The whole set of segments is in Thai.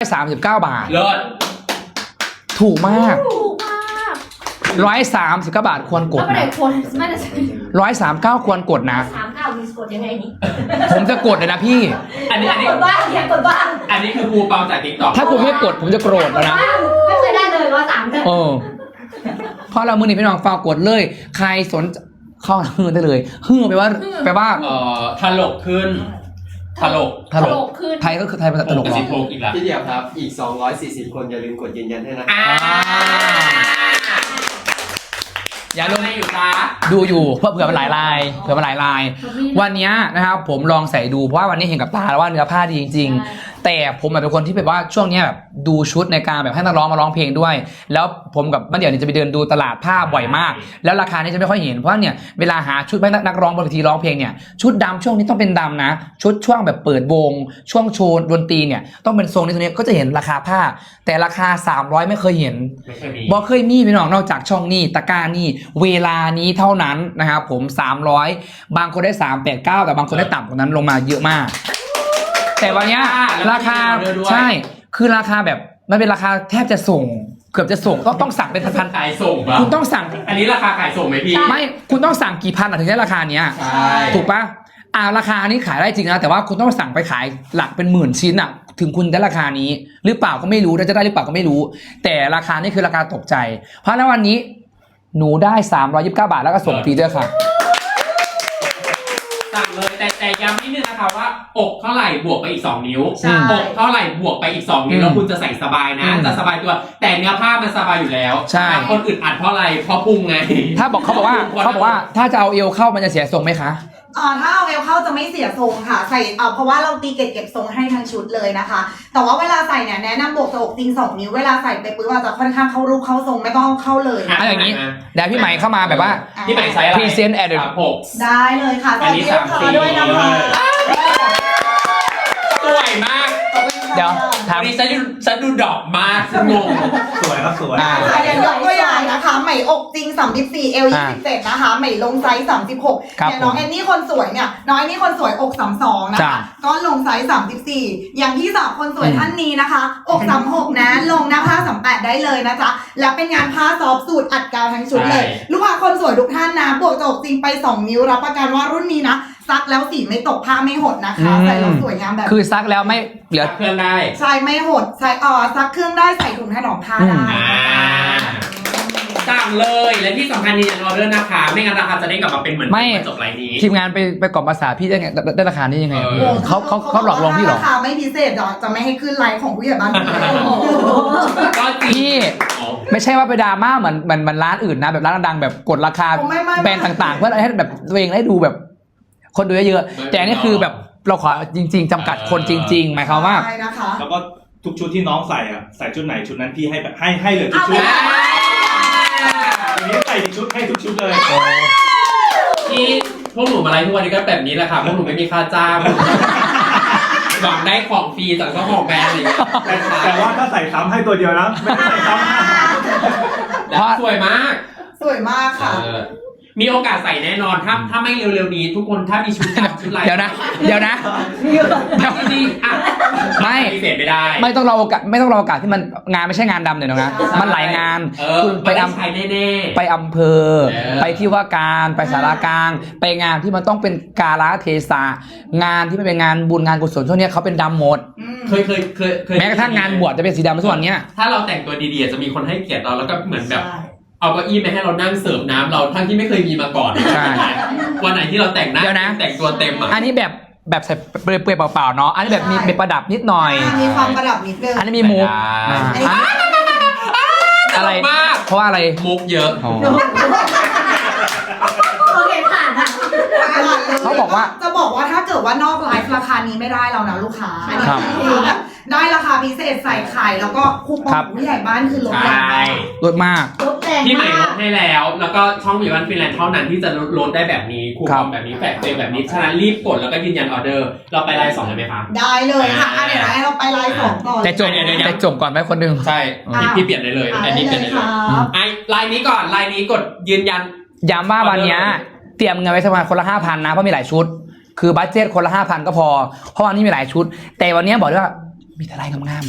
39 บาทเลิศถูกมากถูกมาก 139 บาทควรกดแล้วไปไหนนะคนไม่ได้ 139ควรกดนะ 39มีสกดยังไงนี่ผมจะกดเลยนะพี่อันนี้อยากกดบ้างอยากกดบ้างอันนี้คือครูเปาจากติ๊กต็อกถ้าคุณไม่กดผมจะโกรธแล้วนะไม่เคยได้เลย130 เออเพราะเรามือนี้พี่น้องฝากกดเลย ใครสนเข้าฮือได้เลยฮือแปลว่าถลกขึ้นถลกตลกขึ้นไทยก็คือไทยภาษาตลกเหรอสิบหกอีกแล้วพี่เดียวครับอีก240คนอย่าลืมกดยืนยันให้นะอย่าลืมไม่อยู่จ้าดูอยู่เผื่อมันหลายลายวันนี้นะครับผมลองใส่ดูเพราะว่าวันนี้เห็นกับตาแล้วว่าเนื้อผ้าดีจริงๆแต่ผมเป็นคนที่แบบว่าช่วงนี้แบบดูชุดในการแบบให้นักร้องมาร้องเพลงด้วย แล้วผมกับบ้านเดี่ยวเนี่ยจะไปเดินดูตลาดผ้าบ่อยมาก แล้วราคานี่จะไม่ค่อยเห็นเพราะเนี่ยเวลาหาชุดให้นักร้องบนเวทีร้องเพลงเนี่ยชุดดำช่วงนี้ต้องเป็นดำนะชุดช่วงแบบเปิดวงช่วงโชว์ดนตรีเนี่ยต้องเป็นทรงนี้ก็จะเห็นราคาผ้า แต่ราคา300ไม่เคยเห็นไม่เคยมีบอเคยมีพี่น้องนอกจากช่องนี้ตะกร้านี่เวลานี้เท่านั้นนะครับผม300บางคนได้389แต่บางคนได้ต่ำกว่านั้นลงมาเยอะมาก แต่วันเนี้ยราคาใช่คือราคาแบบมันเป็นราคาแทบจะส่งเกือบจะส่งต้องสั่งเป็นพันขายส่งปะๆคุณต้องสั่งอันนี้ราคาขายส่งไหมพี่ไม่คุณต้องสั่งกี่พันถึงได้ราคาเนี้ยใช่ถูกปะราคานี้ขายได้จริงนะแต่ว่าคุณต้องสั่งไปขายหลักเป็นหมื่นชิ้นอ่ะถึงคุณได้ราคานี้หรือเปล่าก็ไม่รู้จะได้หรือเปล่าก็ไม่รู้ แต่ราคานี่คือราคาตกใจ เพราะในวันนี้หนูได้329 บาทแล้วก็ส่งฟรีด้วยค่ะสั่งเลยแต่ย้ำนิดนึงนะคะว่าอกเท่าไหร่บวกไปอีก2นิ้วใช่อกเท่าไหร่บวกไปอีก2นิ้วแล้วคุณจะใส่สบายนะจะสบายตัวแต่เนื้อผ้ามันสบายอยู่แล้วใช่บางคนอึดอัดเพราะอะไรเพราะพุงไงถ้าบอกเขาบอกว่าถ้าจะเอาเอวเข้ามันจะเสียทรงไหมคะถ้าเอาเอวเข้าจะไม่เสียทรงค่ะใส่เพราะว่าเราตีเก็บทรงให้ทั้งชุดเลยนะคะ แต่ว่าเวลาใส่เนี่ยแนะนำบวกจะอกจริง2 นิ้วเวลาใส่ไปปุ๊บจะค่อนข้างเข้ารูปเข้าทรงไม่ต้องเข้าเลยเอาอย่างนี้เดี๋ยวพี่ใหม่เข้ามาแบบว่าพี่ใหม่ใช้อะไร Present at the 36 ได้เลยค่ะอันนี้สวัสดีด้วยนะคะสวยมากเดี๋ยวถามวันนี้ฉันดูดอกมากงงสวยครับสวยอย่างยกตัวอย่างนะคะไหมอกจริง34เอล27นะคะไหมลงไซส์36 ครับอย่างน้องแอนนี่คนสวยเนี่ยน้องแอนนี่คนสวยอก32นะคะก็ลงไซส์34อย่างพี่สาวคนสวยท่านนี้นะคะอก36นะลงหน้าผ้า38ได้เลยนะจ๊ะและเป็นงานผ้าซอฟต์สูตรอัดกาวทั้งชุดเลย ลูกค้าคนสวยทุกท่านนะบวกจะอกจริงไป2 นิ้วรับประกันว่ารุ่นนี้นะซักแล้วสีไม่ตกผ้าไม่หดนะคะใส่แล้วสวยงามแบบคือซักแล้วไม่เหลือเคลื่อนได้ใช่ไม่หดใส่ซักเครื่องได้ใส่ถุงถนอมผ้าได้สั่งเลยและที่สำคัญยืนยันออเดอร์นะคะ ไม่งั้นราคาจะได้กลับมาเป็นเหมือนไม่จบไลน์นี้ทีมงานไปกล่อมภาษาพี่ได้ไงได้ราคานี้ยังไง เขาหลอกลวงพี่เหรอราคาไม่พิเศษจะไม่ให้ขึ้นไลน์ของผู้ใหญ่บ้านก็จริงพี่ ไม่ใช่ว่าไปดราม่าเหมือนร้านอื่นนะแบบร้านดังๆแบบกดราคาแบรนด์ต่างๆ เพื่อให้แบบตัวเองได้ดูแบบ คนดูเยอะๆแต่อันนี่คือแบบเราขอจริง ๆจำกัดคนจริง ๆ หมายความว่าใช่นะคะแล้วก็ทุกชุดที่น้องใส่อะใส่ชุดไหนชุดนั้นพี่ให้แบบให้เลยทุกชุดอย่างนี้ใส่ชุดให้ทุกชุดเลยที่พวกหนูมาไลฟ์ทุกวันนี้ก็แบบนี้แหละค่ะพวกหนูไม่มีค่าจ้างหวังได้ของฟรีจากเจ้าของแบรนด์อะไรอย่างเงี้ยแต่ว่าถ้าใส่ซ้ำให้ตัวเดียวนะไม่ได้ใส่ซ้ำแล้วสวยมากสวยมากค่ะมีโอกาสใส่แน่นอนถ้าไม่เร็วๆนี้ทุกคนถ้ามีชุดดำชุดลายเดี๋ยวนะจริงๆอ่ะไม่ปฏิเสธไม่ได้ไม่ต้องรอโอกาสที่มันงานไม่ใช่งานดำเนี่ยนะมันหลายงานคุณไปได้อำใช้แน่ๆไปอำเภอ ไปที่ว่าการไปสารกลาง ไปงานที่มันต้องเป็นกาลเทศะงานที่มันเป็นงานบุญงานกุศลช่วงนี้เขาเป็นดำหมดเคยแม้กระทั่งงานบวชจะเป็นสีดำทุกวันเนี้ยถ้าเราแต่งตัวดีๆจะมีคนให้เกียรติเราแล้วก็เหมือนแบบเอาเก้าอี้มาให้เรานั่งเสิร์ฟน้ำเราทั้งที่ไม่เคยมีมาก่อนใช่วันไหนที่เราแต่งหน้าเดี๋ยวนะแต่งตัวเต็มอ่ะอันนี้แบบใส่เปลือยๆเปล่าๆเนาะอันนี้แบบมีประดับนิดหน่อยมีความประดับนิดนึงอันนี้มีมุกอะไรมากเพราะว่าอะไรมุกเยอะอ๋อโอเคผ่านอ่ะเขาบอกว่าจะบอกว่าถ้าเกิดว่านอกไลฟ์ราคานี้ไม่ได้แล้วนะลูกค้าอันนี้ครับคือแบบได้ราคาพิเศษใส่ไข่แล้วก็คูปองผู้ใหญ่บ้านคือลดใช่แรงมากลดมากลบแรงที่ใหม่ลมาดกให้แล้ว แล้วก็ช่องวิวันฟินแลนด์เท่านั้นที่จะลดได้แบบนี้คูปองแบบนี้แฟลชเซลแบบนี้ฉะนั้นรีบกดแล้วก็ยืนยันออเดอร์เราไปไลน์2เลยไหมคะได้เลยค่ะเดี๋ยวให้เราไปไลฟ์2ก่อนแต่จบก่อนไหมคนหนึงใช่พี่เปลี่ยนได้เลยอันนี้เปลี่ยนได้เลยไอ้ไลน์นี้ก่อนไลน์นี้กดยืนยันย้ำว่าวันเนี้ยเตรียมเงินไว้ประมาณคนละ 5,000 นะเพราะมีหลายชุด คือบัดเจ็ตคนละ 5,000 ก็พอเพราะวันนี้มีหลายชุด แต่วันเนี้ยบอกเลยว่ามีแต่ลายงาม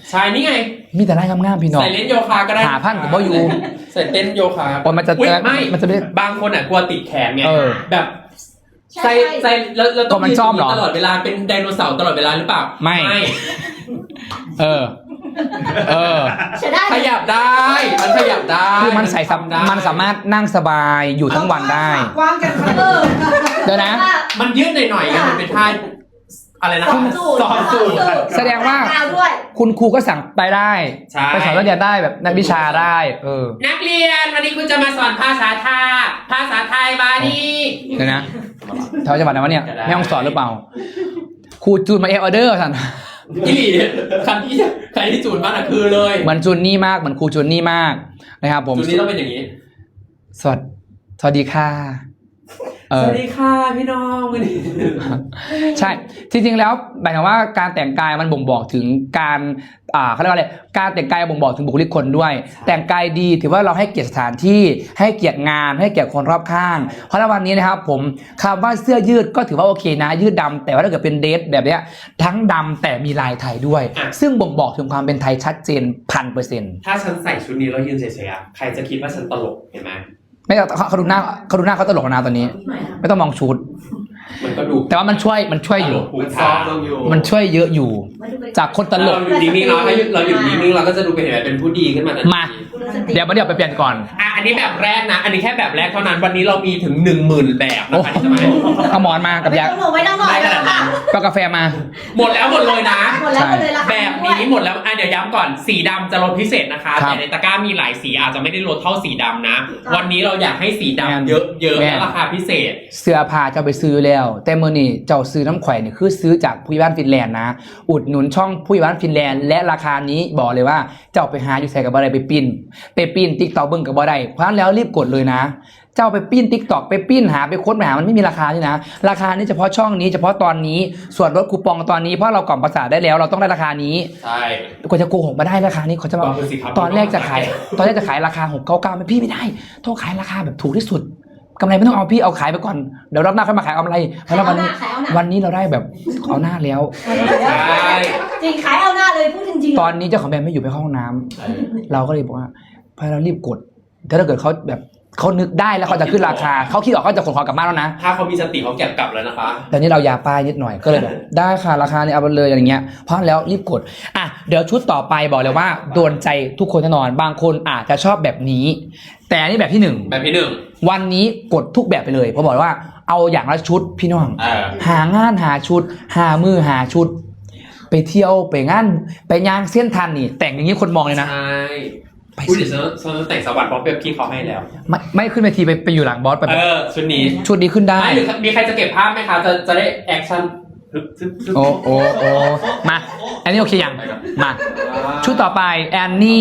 ใช่นี่ไงมีแต่ไล่งามๆพี่น้องใส่เล่นโยคะก็ได้หาพันกับบ่อยู่ใส่เต้นโยคะโอ้ยมันจะอุ๊ยไม่มันจะไม่บางคนอ่ะกลัวติดแขนไงเออแบบใช่ใส่แล้วต้องก็มันซ่อมเหรอตลอดเวลาเป็นไดโนเสาร์ตลอดเวลาหรือเปล่าไม่ เออ เออใช่ได้ขยับได้ มันขยับได้คือมันใส่ทำได้มันสามารถนั่งสบายอยู่ทั้งวันได้กว้างกันค่ะเดี๋ยวนะมันยืดหน่อยๆไงมันเป็นท่าอะไรนะสอนสูตรแสดงว่ากาวด้วยคุณครูก็สั่งไปได้ใช่ไปสอนนักเรียนได้แบบนักวิชาได้ เออนักเรียนวันนี้คุณจะมาสอนภาษาไทยมาดีเดี๋ยวนะแถวจังหวัดไหนวะเนี่ยจะได้แม่ฮ่องสอนหรือเปล่า ครูจูนมาเอออเดอร์สั่นอีหลีใครที่จูนบ้านอ่ะคือเลยเหมือนจูนนี่มากเหมือนครูจูนนี่มากนะครับผมจูนนี้ต้องเป็นอย่างนี้สวัสดีค่ะสวัสดีค่ะพี่น้องวันนี้ใช่จริงๆแล้วหมายถึงว่าการแต่งกายมันบ่งบอกถึงการเขาเรียกว่าอะไรการแต่งกายบ่งบอกถึงบุคลิกคนด้วย แต่งกายดีถือว่าเราให้เกียรติสถานที่ให้เกียรติงานให้เกียรติคนรอบข้าง เพราะในวันนี้นะครับผมคำว่าเสื้อยืดก็ถือว่าโอเคนะยืดดำแต่ว่าถ้าเกิดเป็นเดรสแบบเนี้ยทั้งดำแต่มีลายไทยด้วย ซึ่งบ่งบอกถึงความเป็นไทยชัดเจน1,000% ถ้าฉันใส่ชุดนี้แล้วยืนเฉยๆอะใครจะคิดว่าฉันตลกเห็นไหมไม่เขาดูหน้าเขาตลกนะตอนนี้ ไม่ต้องมองชุดมันก็ดูแต่ว่ามันช่วยอยู่มันซ้อมลงอยู่มันช่วยเยอะอยู่ จากคนตลกเราอยู่นิ่งๆเราอยู่นิ่งๆเราก็จะดูเป็นแบบเป็นผู้ดีขึ้นมาทันทีมา เดี๋ยวไปเปลี่ยนก่อนอันนี้แบบแรกนะ อันนี้แค่แบบแรกเท่านั้นวันนี้เรามีถึง 10,000 แบบนะคะที่จะมาเอาหมอนมากับไม่ยาต้องหนูไม่ต้องหน่อยแล้วค่ะก็กาแฟมาหมดแล้วหมดเลยนะหมดแล้วหมดเลยราคาแบบนี้หมดแล้วเดี๋ยวย้ำก่อนสีดำจะลดพิเศษนะคะครับแต่ในตะกร้ามีหลายสีอาจจะไม่ได้ลดเท่าสีดำนะ วันนี้เราอยากให้สีดำเยอะๆแม่และราคาพิเศษเสื้อผ้าเจ้าไปซื้อแล้ว แต่เมื่อนี่เจ้าซื้อน้ำแขวนเนี่ยคือซื้อจากผู้ใหญ่บ้านฟินแลนด์นะ อุดหนุนช่องผู้ใหญ่บ้านฟินแลนด์และราคานี้บอกเลยว่าเจ้าไปหาอยู่ใส่กับอะไรไปปิ้นติ๊กต็อกเบิ้งกับบ่ได้เพราะฉะนั้นแล้วรีบกดเลยนะ เจ้าไปปิ้นติ๊กต็อกไปปิ้นหาไปค้นหามันไม่มีราคานี่นะราคานี้เฉพาะช่องนี้เฉพาะตอนนี้ส่วนลดคูปองตอนนี้เพราะเรากล่อมประสาทได้แล้วเราต้องได้ราคานี้ใช่กว่าจะโกหกมาได้ราคานี้เขาจะบอกก็คือสิครับตอนแรกจะขายราคา699ไม่พี่ไม่ได้ต้องขายราคาแบบถูกที่สุดกำไรไม่ต้องเอาพี่เอาขายไปก่อนเดี๋ยวรอบหน้าค่อยมาขายกำไรเพราะว่าวันนี้เราได้แบบเอาหน้าแล้วใช่จริงขายเอาหน้าเลยพูดจริงๆตอนนี้เจ้าของแบรนด์ไม่อยู่ไปเข้าห้องน้ำเราก็เลยบอกว่าพอเรารีบกดถ้าเกิดเขาแบบเขานึกได้แล้วเขาจะขึ้นราคาเขาคิดออกเขาจะขนของกลับบ้านแล้วนะถ้าเขามีสติเขาเก็บกลับแล้วนะคะแต่นี่เรายาป้ายนิดหน่อยก็เลยแบบได้ค่ะราคาเนี่ยเอาไปเลยอย่างเงี้ยเพราะแล้วรีบกดอ่ะเดี๋ยวชุดต่อไปบอกเลยว่าโดนใจทุกคนแน่นอนบางคนอาจจะชอบแบบนี้ แต่อันนี่แบบที่หนึ่งแบบที่หนึ่งวันนี้กดทุกแบบไปเลยเพราะบอกว่าเอาอย่างละชุดพี่น้อง หางานหาชุดหามือหาชุด ไปเที่ยวไปงานไปย่างเส้นทันนี่ แต่งอย่างนี้คนมองเลยนะใช่ไปพูดถึงฉันแต่งสวัสดิ์เพราะพี่เขาให้แล้วไม่ขึ้นเวทีไปอยู่หลังบอสไปชุดนี้ชุดนี้ขึ้นได้ไม่หรือมีใครจะเก็บภาพไหมคะจะได้แอคชั่นโอ้มาอันนี้โอเคยังมาชุดต่อไปแอนนี่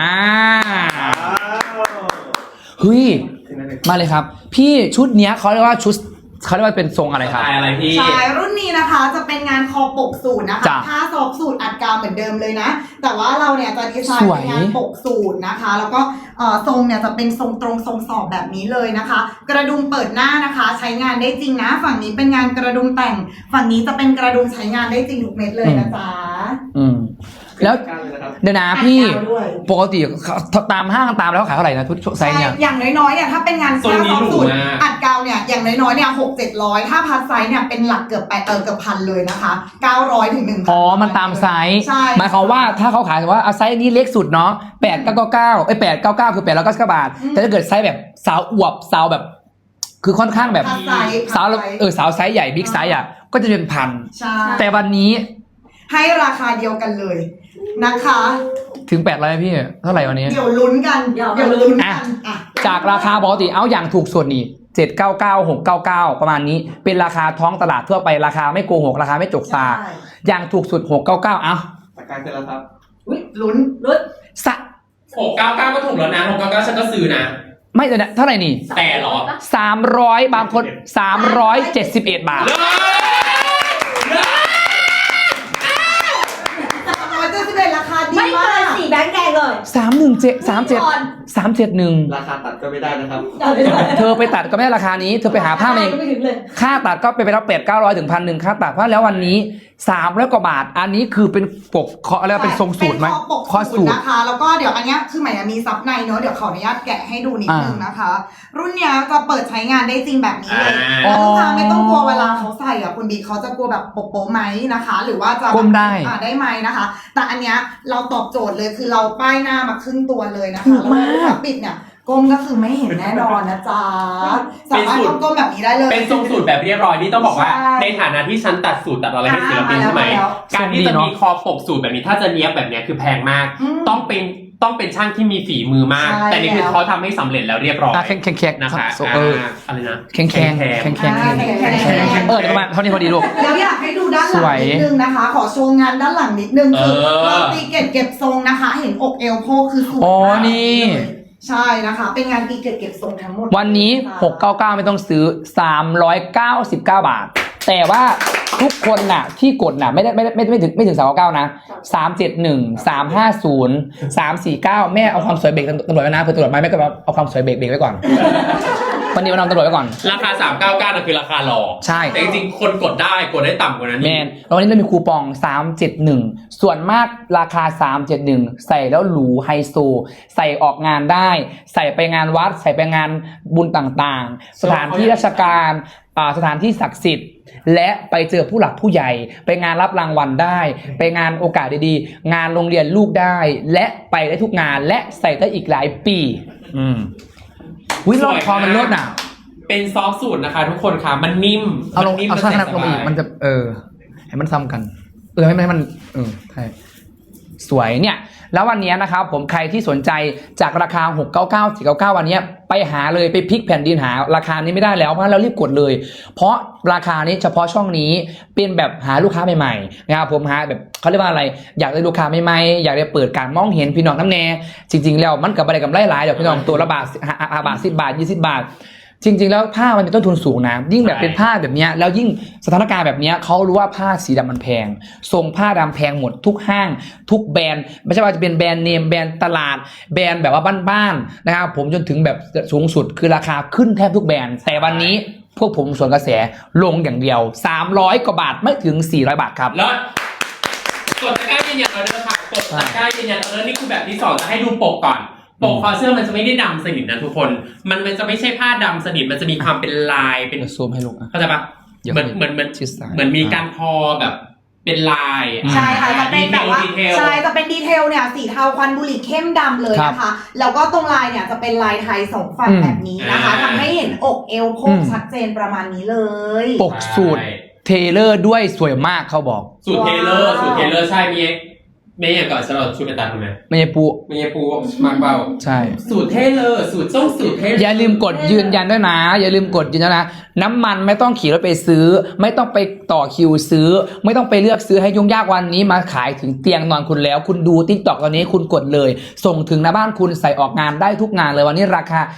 เฮ้ยมาเลยครับ พี่ชุดเนี้ยเขาเรียกว่าเป็นทรงอะไรครับอะไรพี่ใช่รุ่นนี้นะคะจะเป็นงานคอปกสูตรนะคะจ้ะผ้าซอฟสูตรอัดกาวเหมือนเดิมเลยนะ แต่ว่าเราเนี่ยจะดีไซน์สวยเป็นงานปกสูตรนะคะ แล้วก็ทรงเนี่ยจะเป็นทรงตรงทรงสอบแบบนี้เลยนะคะ กระดุมเปิดหน้านะคะ ใช้งานได้จริงนะ ฝั่งนี้เป็นงานกระดุมแต่ง ฝั่งนี้จะเป็นกระดุมใช้งานได้จริงทุกเม็ดเลยนะจ๊ะแล้วกันเลยนะครับเดี๋ยวนะอัดพี่กาวด้วยปกติตามห้างตามแล้วขายเท่าไหร่นะทุกไซส์เนี่ยอย่างน้อยๆเนี่ยถ้าเป็นงานทรงนี้ผ้าหรูสูตรมากอัดกาวเนี่ยอย่างน้อยๆเนี่ย600-700ถ้าพัดไซส์เนี่ยเป็นหลักเกือบพันเลยนะคะ900 ถึง 1,000 อ๋อ มันตามไซส์ใช่หมายความว่าถ้าเขาขายว่าเอาไซส์นี้เล็กสุดเนาะ899899คือ899บาท แต่ถ้าเกิดไซส์แบบสาวอวบสาวแบบ คือค่อนข้างแบบพัดไซส์สาวสาวไซส์ใหญ่บิ๊กไซส์อ่ะก็จะเป็นพันใช่แต่วันนี้ให้ราคาเดียวกันเลยนะคะถึง800พี่เท่าไหร่วันนี้เดี๋ยวลุ้นกันเดี๋ยวลุ้นกันอ่ะจากราคาปกติเอาอย่างถูกส่วนนี่799 699 ประมาณนี้ เป็นราคาท้องตลาดทั่วไปราคาไม่โกหกราคาไม่จกตาใช่อย่างถูกสุด699เอาตะการเสร็จแล้วครับอุ๊ยลุ้นสะ 699ก็ถูกแล้วนะ699ฉันก็ซื้อนะไม่เลยนะเท่าไหร่นี่แต่เหรอ 300บางคน371 บาทเลิศ 371ราคาดีไม่มาเกินก 499 แบงค์แดงเลย 317 ราคาตัดก็ไม่ได้นะครับเธอไปตัดก็ไม่ได้ราคานี้เธอไปหาผ้ามาเองไม่ถึงเลยค่าตัดก็ไปแล้ว800-900 ถึง 1,000 ค่าตัดเพราะแล้ววันนี้300 กว่าบาทอันนี้คือเป็นปกเคาะอะไรเป็นทรงสูตรไหมเป็นคอปกข้อสูสูตรตรนะคะ แล้วก็เดี๋ยวอันเนี้ยคือหมายมีซับในเนอะเดี๋ยวขออนุญาตแกะให้ดูนิดนึงนะคะ รุ่นเนี้ยจะเปิดใช้งานได้จริงแบบนี้เลยอ๋อแล้วลูกค้าไม่ต้องกลัวเวลาเขาใส่อ่ะคุณบีเขาจะกลัวแบบโป๊ะๆไหมนะคะ หรือว่าจะก้มได้ได้ไหมนะคะ แต่อันเนี้ยเราตอบโจทย์เลยคือเราป้ายหน้ามาครึ่งตัวเลยนะถูคะกมากแล้วเวลาปิดเนี่ยก้มก็คือไม่เห็นแน่นอนนะจ๊ะสามารถก้มแบบนี้ได้เลยเป็นทรงสูตรแบบเรียบร้อยนี่ต้องบอกว่าใช่ในฐานะที่ฉันตัดสูตรตัดอะไรให้ศิลปินใช่ไหมแล้วการที่จะมีคอปกสูตรแบบนี้ถ้าจะเนี้ยบแบบเนี้ยคือแพงมากอืมต้องเป็นช่างที่มีฝีมือมากใช่แต่นี่คือแล้วเขาทำให้สำเร็จแล้วเรียบร้อยแข็งๆนะคะ อะไรนะแข็งๆแข็งๆเออเดี๋ยวประมาณเท่านี้พอดีลูกแล้วอยากให้ดูด้านหสลัวงยนิดนึงนะคะ ขอโชว์งานด้านหลังนิดนึงคือเออเราตีเก็บทรงนะคะ เห็นอกเอวโพกคือสวยอ๋อมากนี่ใช่นะคะ เป็นงานตีเก็บทรงทั้งหมดวันนี้ 699 ไม่ต้องซื้อ 399 บาท แต่ว่าทุกคนน่ะที่กดน่ะไม่ถึง399 นะ 371 350 349 แม่เอาความสวยเบรกตำรวจไว้นะเผื่อตำรวจมาแม่ก็เอาความสวยเบรกไว้ก่อน วันนี้มานำตำรวจไว้ก่อนราคา 399นะคือราคาหลอกใช่แต่จริงๆคนกดได้ต่ำกว่านั้นแมนแล้ววันนี้เรามีคูปอง 371 ส่วนมากราคา 371 ใส่แล้วหรูไฮโซ ใส่ออกงานได้ ใส่ไปงานวัด ใส่ไปงานบุญต่างๆ สถานที่ราชการสถานที่ศักดิ์สิทธิ์ และไปเจอผู้หลักผู้ใหญ่ ไปงานรับรางวัลได้ ไปงานโอกาสดีๆ งานโรงเรียนลูกได้ และไปได้ทุกงานและใส่ได้อีกหลายปีวิลอดคอมันเลิศน่ะเป็นซอฟต์สูตรนะคะ ทุกคนค่ะมันนิ่มเอาลงนิ่มเอามันช่างใส่ขนาดสลงบาอีกยมันจะให้มันซ้ำกันให้มันใช่สวยเนี่ยแล้ววันนี้นะครับผมใครที่สนใจจากราคา699 499วันนี้ไปหาเลยไปพลิกแผ่นดินหาราคานี้ไม่ได้แล้วเพราะเรารีบกดเลย เพราะราคานี้เฉพาะช่องนี้เป็นแบบหาลูกค้าใหม่ๆนะครับผมหาแบบเขาเรียกว่าอะไรอยากได้ลูกค้าใหม่ๆอยากได้เปิดการมองเห็นพี่น้องน้ำแน่จริงๆแล้วมันกับอะไรกับหลายๆเดี๋ยวพี่น้องตัวละบาทบาท10 บาท20 บาทจริงๆแล้วผ้ามันเป็นต้นทุนสูงนะยิ่งแบบเป็นผ้าแบบนี้แล้วยิ่งสถานการณ์แบบนี้เขารู้ว่าผ้าสีดำมันแพงทรงผ้าดำแพงหมดทุกห้างทุกแบรนด์ไม่ใช่ว่าจะเป็นแบรนด์เนมแบรนด์ตลาดแบรนด์แบบว่าบ้านๆนะครับผมจนถึงแบบสูงสุดคือราคาขึ้นแทบทุกแบรนด์แต่วันนี้พวกผมส่วนกระแสลงอย่างเดียว300 กว่าบาทไม่ถึง400 บาทครับแล้วกดตะกร้ายืนยันออเดอร์ค่ะกดตะกร้ายืนยันออเดอร์นี่คือแบบที่2จะให้ดูปกก่อนปกคอเสื้อมันจะไม่ได้ดำสนิทนะทุกคนมันจะไม่ใช่ผ้าดำสนิทมันจะมีความเป็นลายเป็นเดี๋ยวซูมให้ลูกอ่ะเข้าใจปะเหมือนชิดซ้ายเหมือนมีการทอแบบเป็นลายใช่ค่ะจะเป็นแบบว่าดีเทลใช่จะเป็นดีเทลเนี่ยสีเทาควันบุหรี่เข้มดำเลยนะคะแล้วก็ตรงลายเนี่ยจะเป็นลายไทยสองฝั่งแบบนี้นะคะทำให้เห็นอกเอวโพกชัดเจนประมาณนี้เลยปกสูตรเทเลอร์ด้วยสวยมากเขาบอกสูตรเทเลอร์ใช่มีอย่างก่อนฉันเราชูไปตัดทำไมไม่ใช่ปูมีปูมากเบาใช่สูตรเทเลอร์สูตรต้องสูตรเทเลอร์อย่าลืมกดยืนยันด้วยนะอย่าลืมกดยืนยันนะน้ำมันไม่ต้องขี่รถไปซื้อ ไม่ต้องไปต่อคิวซื้อ ไม่ต้องไปเลือกซื้อให้ยุ่งยากวันนี้มาขายถึงเตียงนอนคุณแล้ว คุณดู TikTok ตอนนี้คุณกดเลย ส่งถึงหน้าบ้านคุณใส่ออกงานได้ทุกงานเลยวันนี้ราคา